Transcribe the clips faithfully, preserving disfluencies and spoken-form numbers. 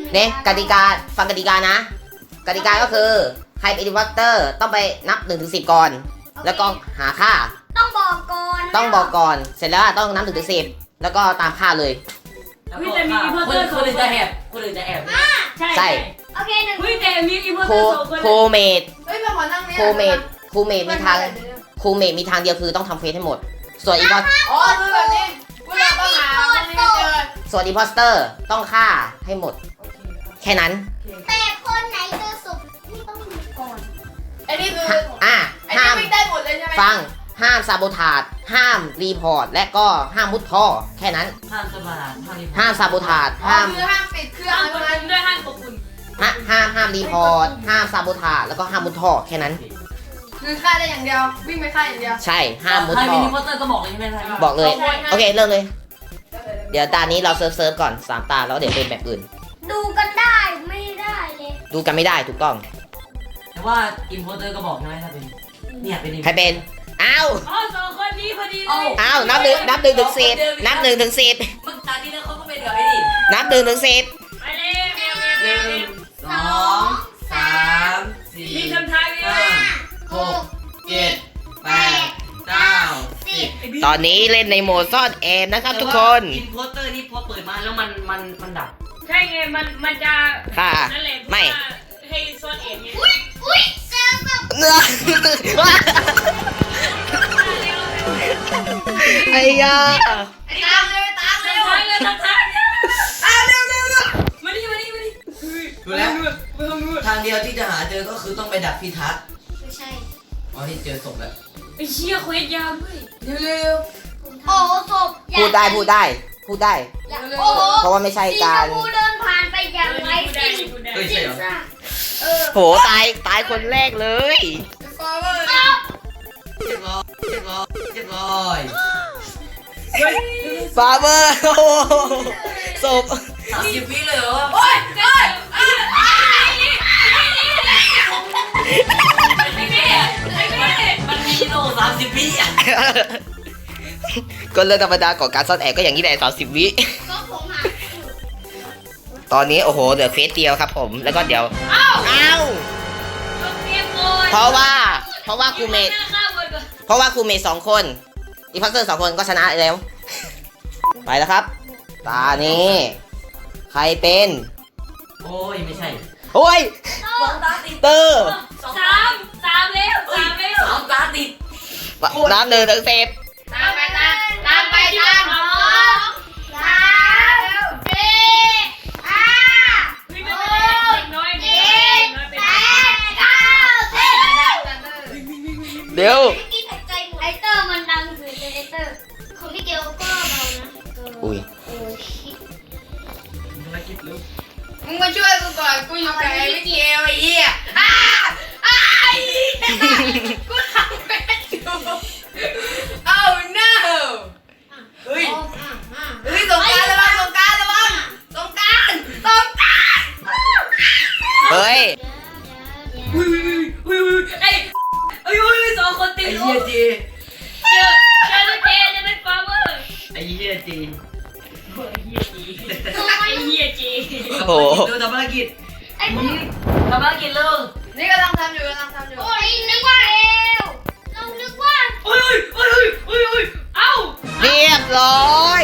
เนี่ยกติกาฟังกติกานะกติกาก็คือใครเป็นอินวัตเตอร์ต้องไปนับหนึ่งถึงสิบก่อนแล้วก็หาค่าต้องบอกก่อนต้องบอกก่อนเสร็จแล้วต้องนับหนึ่งถึงสิบแล้วก็ตามค่าเลยวิแต่มีอินพอร์เตอร์คนอื่นจะแอบคนอื่นจะแอบใช่ใช่โอเคหนึ่งวิแต่มีอินพอร์เตอร์สองคนโคเมดเฮ้ยมาขอนั่งเนี่ยโคเมดโคเมดมีทางโคเมดมีทางเดียวคือต้องทำเฟซให้หมดส่วนอีพออ๋อคือแบบนี้กูอยากต้องหาคนนี้เจอส่วนอีพอสเตอร์ต้องฆ่าให้หมดแค่นั้นแต่คนไหนเจอศพนี่ต้องมีก่อนไอ้นี่คืออ่ะห้ามได้หมดเลยใช่ไหมฟังห้ามซาโบทาดห้ามรีพอร์ตและก็ห้ามมุดท่อแค่นั้นห้ามซาโบทาดห้ามซาโบทาดห้ามคือห้ามปิดเครื่องห้ามด้วยห้ามควบคุมห้ามห้ามห้ามรีพอร์ตห้ามซาโบทาดแล้วก็ห้ามมุดท่อแค่นั้นคือฆ่าได้อย่างเดียววิ่งไปฆ่าอย่างเดียวใช่ห้ามมุดท่อใครมีอินพอร์เตอร์ก็บอกเลยใช่ไหมบอกเลยโอเคเริ่มเลยเดี๋ยวตานี้เราเซิร์ฟเซิร์ฟก่อนสามตาแล้วเดี๋ยวเป็นแบบอื่นดูกันได้ไม่ได้เลยดูกันไม่ได้ถูกต้องแต่ว่าอินพอร์เตอร์ก็บอกใช่ไหมถ้าเป็นเนี่ยเป็นใครเป็นอ้าวอ๋อสองคนนี้พอดีเลยอ้าวนับหนึ่งนับหนึ่งถึงสิบนับหนึ่งถึงสิบมึงตาที่แล้วเขาก็เป็นเดี๋ยวไอ้นี่นับหนึ่งถึงสิบไปเลยหนึ่งสองสามสี่ห้าหกเจ็ดแปดเก้าสิบตอนนี้เล่นในโหมดซ่อนแอบนะครับทุกคนอินพอร์เตอร์นี่พอเปิดมาแล้วมันมันมันดับใช่ไงมันมันจะค่ะไม่ให้ซ่อนเองไงอุ้ยอุ้ยเจอกับเนื้อไอ้ยาตามเลยตามเลยทางเลยทางทางอ้าวเร็วเร็วเร็วมาดิมาดิมาดิดูแล้วทางเดียวที่จะหาเจอก็คือต้องไปดับพิทักษ์ไม่ใช่อ๋อที่เจอศพแล้วไอ้เชี่ยเควสยาวด้วยเร็วเร็วโอ้ศพพูดได้พูดได้พูดได้เพราะว่าไม่ใช่การสีชมพูเดินผ่านไปอย่างไรสิ่งสิ่งเออโหตายตายคนแรกเลยฟอร์เวอร์เจ็บร้อยเจ็บร้อยเจ็บร้อยฟาเบอร์โอ้ศพสามสิบวิเลยเหรอโอ้ยโอ้ยมันมีโลสามสิบวิอ่ะก็เรื่องธรรมดาของการซ่อนแอบก็อย่างนี้แหละสามสิบวิตอนนี้โอ้โหเหลือเฟสเดียวครับผมแล้วก็เดี๋ยวอ้าวอ้าวเพราะว่าเพราะว่าครูเมทเพราะว่าครูเมทสองคนอีพัสเตอร์สองคนก็ชนะแล้วไปแล้วครับตานี้ใครเป็นโอ้ยไม่ใช่โอ้ยสองตาติดเตอร์สามสามแล้วสามแล้วสองตาติดน้ำหนึ่งถึงสิบตามไปตามตามไปตามสองสามสี่ห้าหกเจ็ดแปดเก้าสิบเดี๋ยวไอเตอร์มันดังสุดเลยไอเตอร์ของพี่เกลก็เบานะอุ้ยมึงมาช่วยกูก่อนกูอยู่กับไอ้พี่เกลไอ้เหี้ยอ้าอ้ากูทำไม่ได้โอ้ no เฮ้ยเฮ้ยสงการระวังสงการระวังสงการสงการเฮ้ยอุ้ยอุ้ยอุ้ยไอ้ไอ้อุ้ยสองคนตีไอ้เหี้ยจีเจอเจอเจจะเป็นฟาร์เมอร์ไอ้เหี้ยจีไอ้เหี้ยจีไอ้เหี้ยจีโอ้โหดูทำภารกิจไอ้พวกทำภารกิจลูกนี่กำลังทำอยู่กำลังทำอยู่โอ้ยนึกว่าเอวเรานึกว่าโอ้ยโอ้ยโอ้ยโอ้ยเอ้าเรียบร้อย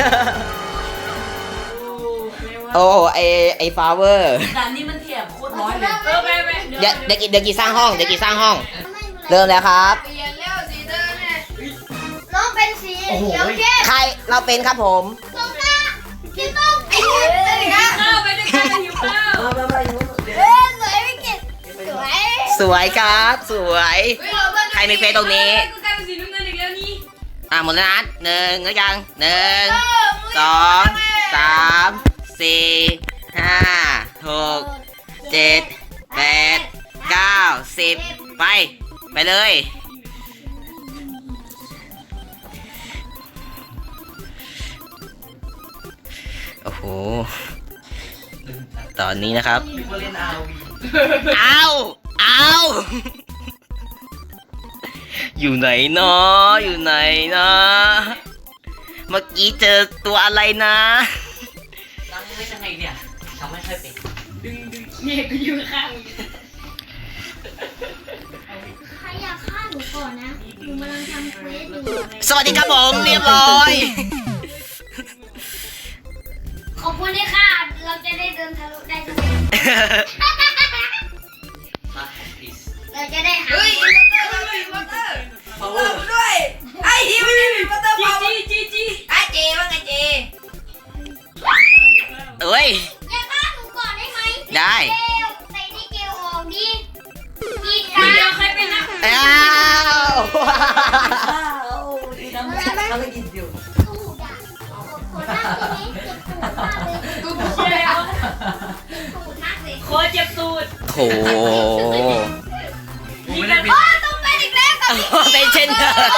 โอ้ไอไอฟาเวอร์ด่านนี้มันเทียบโคตรน้อยเลยเออไปไปเดี๋ยวเดี๋ยวกี่เดี๋ยวกี่สร้างห้องเดี๋ยวกี่สร้างห้องเริ่มแล้วครับเปลี่ยนแล้วสีเดิมเนี่ยน้องเป็นสีเขียวเข้มใครเราเป็นครับผมส้มนะสีส้มไอ้เหี้ยข้าวไปด้วยกันหิวข้าวเอ้ยสวยไม่เก็บสวยสวยครับสวยใครมีเฟซตรงนี้กูกลายเป็นสีน้ำเงินอีกแล้วนี่อ่ะหมดแล้วนะหนึ่งแล้วยังหนึ่งสองสามสี่ห้าหกเจ็ดแปดเก้าสิบไปไปเลยโอ้โหตอนนี้นะครับเอาเอาอยู่ไหนเนาะอยู่ไหนนะเมื่อกี้เจอตัวอะไรนะตั้งไม่ใช่ไงเนี่ยทำไม่ค่อยเป็นดึงดึงเนี่ยกูอยู่ข้างมึงใครอยากฆ่าหนูก่อนนะหนูกำลังทำเควสอยู่สวัสดีครับผมเรียบร้อยขอบคุณที่ค่ะ เราจะได้เดินทะลุได้ทุกคนมา please เราจะได้หาเฮ้ยอินเตอร์เราอินเตอร์ power ด้วยไอ้ฮิวนี่อินเตอร์จีเปล่าจีจีจีไอ้เจว่าไงเจเอ้ยอย่าฆ่าหนูก่อนได้ไหมได้เกลใส่ที่เกลออกดิกีดคนกัเดียวน ใครเป็นนะอ้าวทำทำไม่กินอยู่ตูดอ่ะขอหน้าทีนี้เจ็บตูดมากเลยกูเชียร์แล้วตูดมากเลยโคเจ็บตูดโถกูไม่ได้เป็นโอ้ต้องเป็นอีกแล้วกับพี่เป็นเช่นเดิม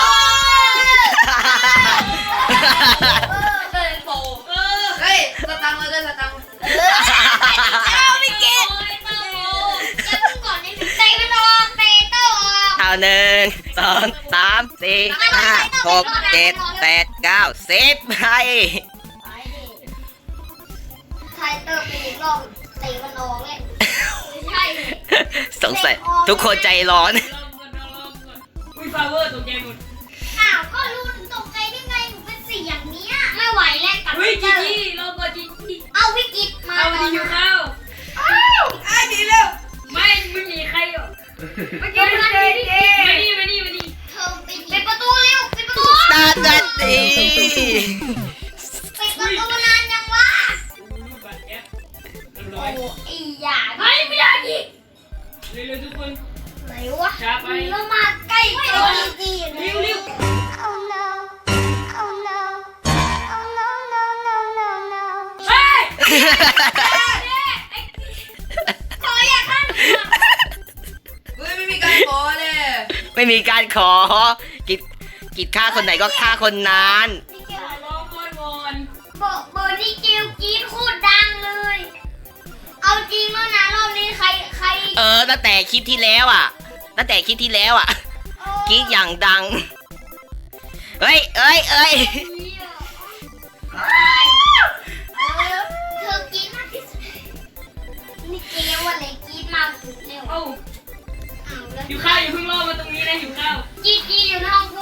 เดินโผล่เออเฮ้ยสตังค์มาเลยสตังค์เอาไม่เก็บจะมึงก่อนนี่เตะมันออกเตะเตะออกเอาหนึ่งสองสามสี่ห้าหกเจ็ดแปดเก้าสิบไปไทเตอร์ไปอีกรอบเตะมันออกเลยไม่ใช่สงสัยทุกคนใจร้อนลองก่อนลองก่อนอุ้ยฟาเวอร์ตกใจหมดอ้าวก็รู้ถึงตกใจได้ไงหนูเป็นสีอย่างเนี้ยไม่ไหวแล้วกับเฮ้ยเตจีอร์จีลองก่อนจีจีเอาวิกฤตมาเอามาที่หิวข้าวไอ้ดีเร็วไม่ไม่มีใครหรอกเมื่อกี้มันเป็นเจมานี่มานี่มานี่เธอปิดปิดประตูเร็วปิดประตูตาดันดีปิดประตูนานยังวะรูปบัตรแอปเรียบโอ้ร้อยไอ้หยาไม่ไม่ได้ดิเร็วๆทุกคนไหนวะช้าไปแล้วมาใกล้ตัวดีเร็วเร็วๆ Oh no Oh no Oh no no no no no เฮ้ยขออย่าฆ่าหนูก่อนเฮ้ยไม่มีการขอเลยไม่มีการขอ กิดกิดฆ่าคนไหนก็ฆ่าคนนั้นนี่เกลลองก่อนวอนเบอร์เบอร์นี่เกลกรีดโคตรดังเลย เอาจริงแล้วนะรอบนี้ใครใครเออตั้งแต่คลิปที่แล้วอ่ะ ตั้งแต่คลิปที่แล้วอ่ะกรีดอย่างดัง เฮ้ยเอ้ยเอ้ยเออเธอกรีดมากที่สุดนี่เกลอะไรกรีดมากสุดเร็วเอ้าเอาแล้วหิวข้าวอย่าเพิ่งรอมาตรงนี้นะหิวข้าวกรีดกรีดอยู่ในห้องกู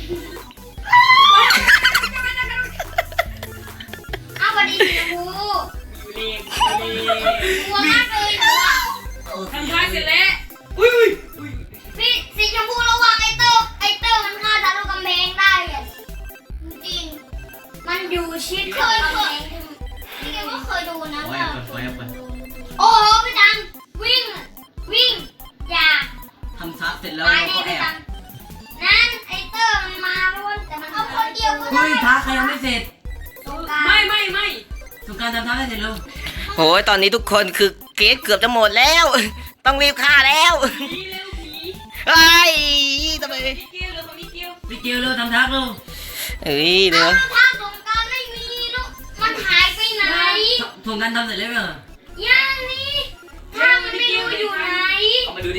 เอาวันนี้สีชมพูอยู่นี่อยู่นี่กลัวมากเลยหนูอะทำท้ายเสร็จแล้วอุ้ยอุ้ยอุ้ยพี่สีชมพูระวังไอเตอร์ไอเตอร์มันฆ่าทะลุกำแพงได้อะจริงๆมันอยู่ชิดกับกำแพงพี่แกก็เคยดูนะว่าโอ้โหพี่ตังวิ่งวิ่งอย่าทำซับเสร็จแล้วตายเราแน่ก็แอพี่ตับงนั่นไอเตอร์มันมาแล้วแต่มันเอาคนเดียวก็ได้เฮ้ยท้าใครยังไม่เสร็จไม่ไม่ไม่สุการทำท้าให้เสร็จเร็วโอ้ยตอนนี้ทุกคนคือเกรดเกือบจะหมดแล้ว ต้องรีบฆ่าแล้วผีเร็วผีเฮ้ยทำไมนิดเดียวเร็วคนนิดเดียวพี่เกียวเร็วทำทักเร็วเฮ้ยเดี๋เอายวแล้วทางสงกรารไม่มีลูกมันหายไปไหนถุงกันทำเสร็จแล้วเหรอย่างนี้ทางมันไม่รู้อยู่ไหนเอามาดูดิ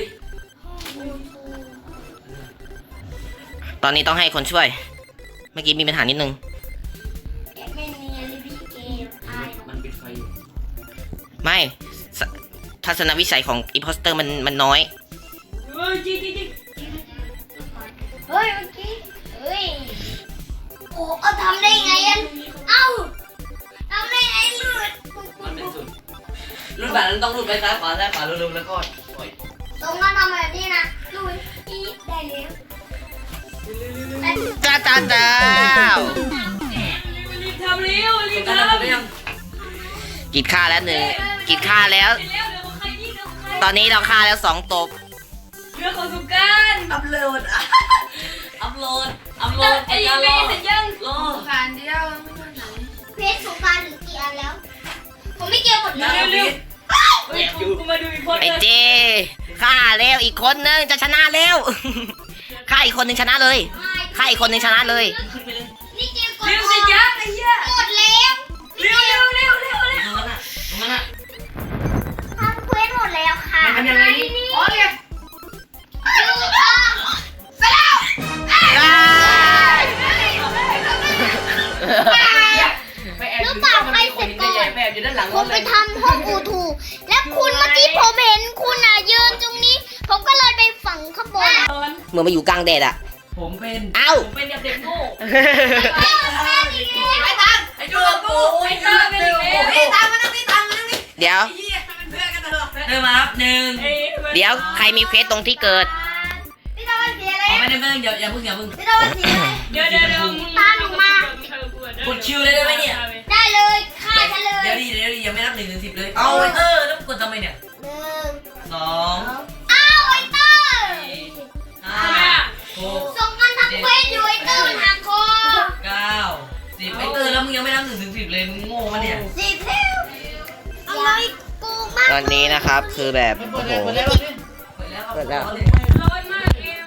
ตอนนี้ต้องให้คนช่วย เมื่อกี้มีปัญหานิดนึงแกไม่เนียนเลยพี่เกมอายหรอกมันปิดไฟอยู่ไม่สทัศนวิสัยของอิ p พ s สเตอร์มันมันน้อยเฮ้ยจีจีจีเฮ้ยเมื่อกี้เฮ้ยโอ้เอาทำได้ไงอันเอ้าทำได้ไงเลือดมันเป็นสุดรุ่นแบบนั้นต้องรุ่นไปซ้ายขวาซ้ายขวาเร็วๆแล้วก็ปล่อยตรงนั้นทำแบบนี้นะลุยอีดได้แล้วแต่จ้าจ้าจ้ารีบทำเร็วรีสุบการทำทำเสร็จหรือยังกิดฆ่าแล้วหนึ่งกิดฆ่าแล้วเร็วเร็วของใครนี่เร็วของใครตอนนี้เราฆ่าแล้วสองตบเรื่องของสุการอัพโหลด อัพโหลด อัพโหลดไอ้ยังไม่เสร็จยังรอการเดียวไม่ใช่ไหนเพชรสงกรารถึงกี่อันแล้ว ผมไม่เกี่ยวหมดเลเร็ยวเร็วเฮ้ยกูมาดูอีกคนไอ้เจฆ่าแล้วอีกคนนึงจะชนะแล้ว ฆ่าอีกคนนึงชนะเลย ฆ่าอีกคนนึงชนะเลยขึ้นไปเลยนี่เกมกดเร็วอสิอกยักษ์ไอ้เหี้ยกดแล้วเร็วเร็วเร็วเร็วเร็วตรงนั้นน่ะตรงนั้นน่ะทำเควสหมดแล้วค่ะมันทำยังไงนี่อ๋อเนี่ยดูค่ะไปแล้วได้ไปแอบอยู่ที่มันมีคนเยอะแยะไปแอบอยู่ด้านหลังผรมถไปเลยทำห้องเหมือนมาอยู่กลางแดดอะผมเป็นเอ้าผมเป็นเด็กโง่ไอ้ตังไอ้จูกูไอ้เตอร์เป็นอีกแล้วไอ้ตังมานั่งนี่ตังมานั่งนี่เดี๋ยวไอ้เหี้ยมันเพื่อนกันตลอดเริ่มมาครับหนึ่งเอ้ยเดี๋ยวใครมีเควสตรงที่เกิดพี่ตะวันเสียเลอ๋อย ไม่ได้ไม่ได้เดี๋ยวอย่าเพิ่งอย่าเพิ่งพี่ตะวันเสียเลยเดี๋ยวเดี๋ยวเดี๋ยวมึงกดคิวเลยได้ไหมเนี่ยได้เลยฆ่าฉันเลยเดี๋ยวดิเดี๋ยวดิยังไม่นับหนึ่งถึงสิบเลยเอาไอ้เตอร์แล้วกดทำไมเนี่ยหนึ่งสองอ้าวไอเตอร์ห้าทำไมอ่ะหกส่งกันทั้งเควสอยู่ไอเตอร์มันหักคอเก้าสิบไอ้เตอร์แล้วมึงยังไม่นับหนึ่งถึงสิบเลยมึงโง่ปะเนี่ยสิบแล้วอะไรกูมากตอนนี้นะครับคือแบบโอ้โหเปิดแล้วครับเปิดแล้วร้อนมากเกม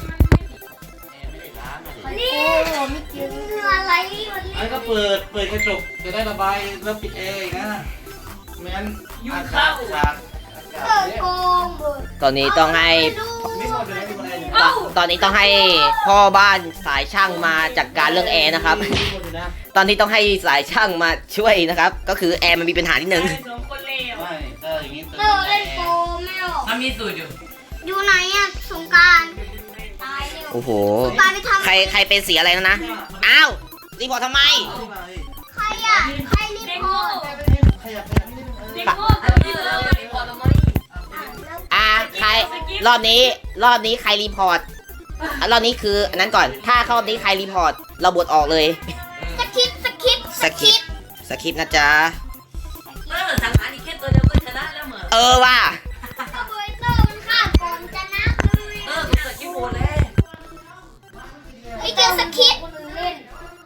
มันนี่ไม่กินอะไรมันไอ้ก็เปิด เปิดกระจกจะได้ระบายแล้วปิดแอร์อีกนะไม่งั้นอากาศขาดอากาเอศอเนี่ยโกงเบิดตอนนี้ต้องให้ไม่หมดเลยไม่หมดเลยตอนตอนนี้ต้องให้พ่อบ้านสายช่างมาจัดการเรื่องแอร์นะครับไม่หมดเลยนะตอนนี้ต้องให้สายช่างมาช่วยนะครับ ก็คือแอร์มันมีปัญหานิดนึงสองคนเลวไม่เอออย่างงี้เออเล่นโกงไม่ออกมันมีสูตรอยู่อยู่ไหนอะสงกรารตายเร็วโอ้โหตายไปทำใครใครเป็นสีอะไรแล้วนะ อ้าวรีพอร์ตทำไมใครอะใครรีเด็กพอโง่ร์ตขยับขยับนิดนึงเออเด็กโง่นี่เออพอแล้วไหมอ่าใครรอบนี้รอบนี้ใครรีพอร์ตอ่ะรอบนี้คืออันนั้นก่อน ถ้ารอบนี้ใครรีพอร์ตเราบดออกเลยสคริปต์สคริปต์สคริปต์ สคริปต์นะจ๊ะเออสังหารอีกแค่ตัวเดียวก็ชนะแล้วเหมือนเออว่ะก็เบยเตอร์มันฆ่าก่อนชนะเลยเออกูเกิดกี่โมงแล้วไอ้เจ้าสคริปต์เล่น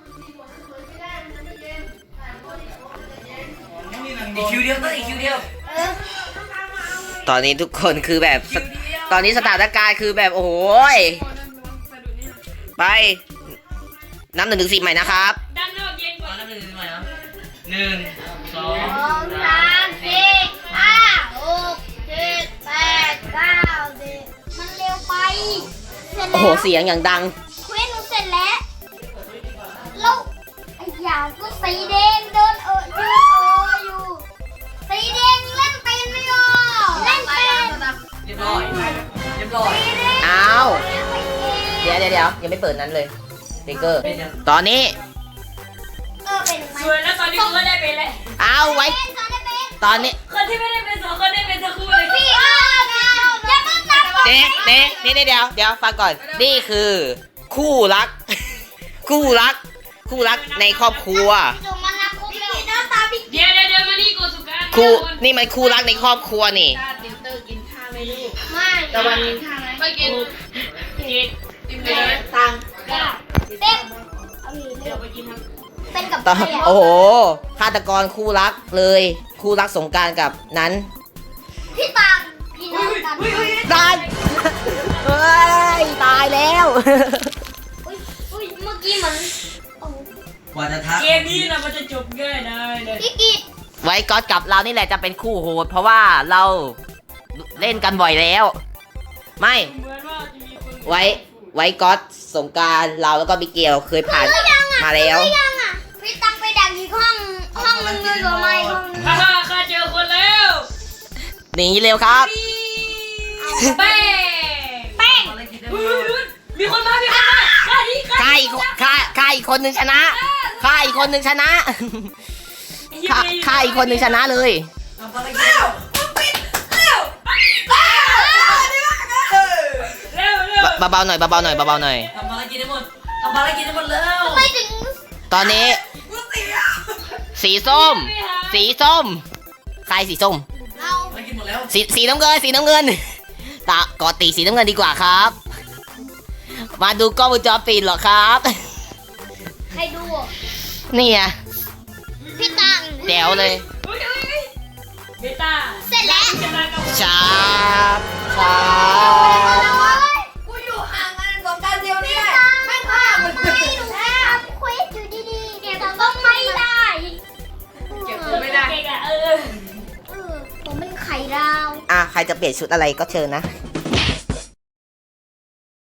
อีกคิวเดียวต้องอีกคิวเดียวเออตอนนี้ทุกคนคือแบบ ตอนนี้สถานการณ์คือแบบโอ้โหยไปนับหนึ่งถึงสิบใหม่นะครับด้านนอกเย็นกตอว่านนั้นหนึ่งใหม่นะหนึ่งสองสองสามสี่ห้าหกเจ็ดแปดเก้าสิบมันเร็วไปเสร็จโอ้แล้โหวเสียงอย่างดังเควสหนูเสร็จแล้วแล้วไอ้ยาวก็สีแดงเดินเออยืนเอออยู่สีแดงเล่นเป็นไม่ออกเล่นเป็นเรียบร้อยเรียบร้อยสีแดงอ้าวเล่นเป็นเดี๋ยวเดี๋ยวเดี๋ยวยังไม่เปิดนั้นเลยสติ๊กเกอร์เป็นยังตอนนี้เออเป็นไหมสวยแล้วตอนนี้กูก็ได้เป็นเลยเอาไว้เป็นตอนได้เป็นตอนนี้คนที่ไม่ได้เป็นสองคนได้เป็นทั้งคู่เลยพี่เอออย่าเพิ่งนับเด๊ะเด๊ะนี่เดี๋ยวเดี๋ยวฟังก่อน นี่คือ คู่รัก คู่รัก คู่รักในครอบครัวส่งมานับครบแล้วหน้าตาพี่เดี๋ยวเดี๋ยวเดี๋ยวมานี่กูสุการคู่นี่มันคู่รักในครอบครัวนี่ไม่ตะวันกินข้าวไหมไม่กินกินกินเลยตังเป๊กเอาอีกเดี๋ยวไปกินครับเป็นกับตอนใครอ่ะโอ้โหฆาตกรคู่รักเลย คู่รักสงกรารกับนั้นพี่ตังพี่น้องกันตายเฮ้ย ตายแล้วอุ้ยอุ้ยเมื่อกี้เหมือนโอ้กว่าจะทักเกมนี้เรามันจะจบง่ายได้เลยพี่กิตไว้ก๊อตกับเรานี่แหละจะเป็นคู่โหด เพราะว่าเราเล่นกันบ่อยแล้ว ไม่เหมือนว่าจะมีคนไว้ไว้ก๊อตสงกรารเราแล้วก็บิเกลเคยผ่านมาแล้วไม่ยังอ่ะพี่ตังไปดักอีกห้องห้องนึงเลยหรือไม่ห้องนึงฮ่าฮ่าข้าเจอคนแล้วหนีเร็วครับแป้งแป้งอะไรกินได้เฮ้ยดูมีคนมามีคนมาข้าดีข้าค่าอีกค่าค่าอีกคนหนึ่งชนะค่าอีกคนหนึ่งชนะค่าค่าอีกคนหนึ่งชนะเลยทำอะไรกินแล้วเร็วเร็วเบาๆหน่อยเบาๆหน่อยเบาๆหน่อยทำอะไรกินได้หมดทำอะไรกินได้หมดแล้วไม่ถึงตอนนี้ สีส้ม สีส้ม ใครสีส้มเราอะไรกินหมดแล้วสีสีน้ำเงินสีน้ำเงินตากอตีสีน้ำเงินดีกว่าครับ มาดูกล้องวงจรปิดเหรอครับใครดูอ่ะนี่ไงพี่ตังแจ๋วเลยอุ้ยอุ้ยอุ้ยเบต้าเสร็จแล้วชนะกับชาบชาบกูอยู่ห่างกันสองการเดียวนี่ไม่พาไม่หนูทำเควสอยู่ดีๆเนี่ยก็ไม่ได้เก็บตัวไม่ได้เก่งอ่ะเออเออผมเป็นไข่ดาวอ่ะใครจะเปลี่ยนชุดอะไรก็เชิญนะเ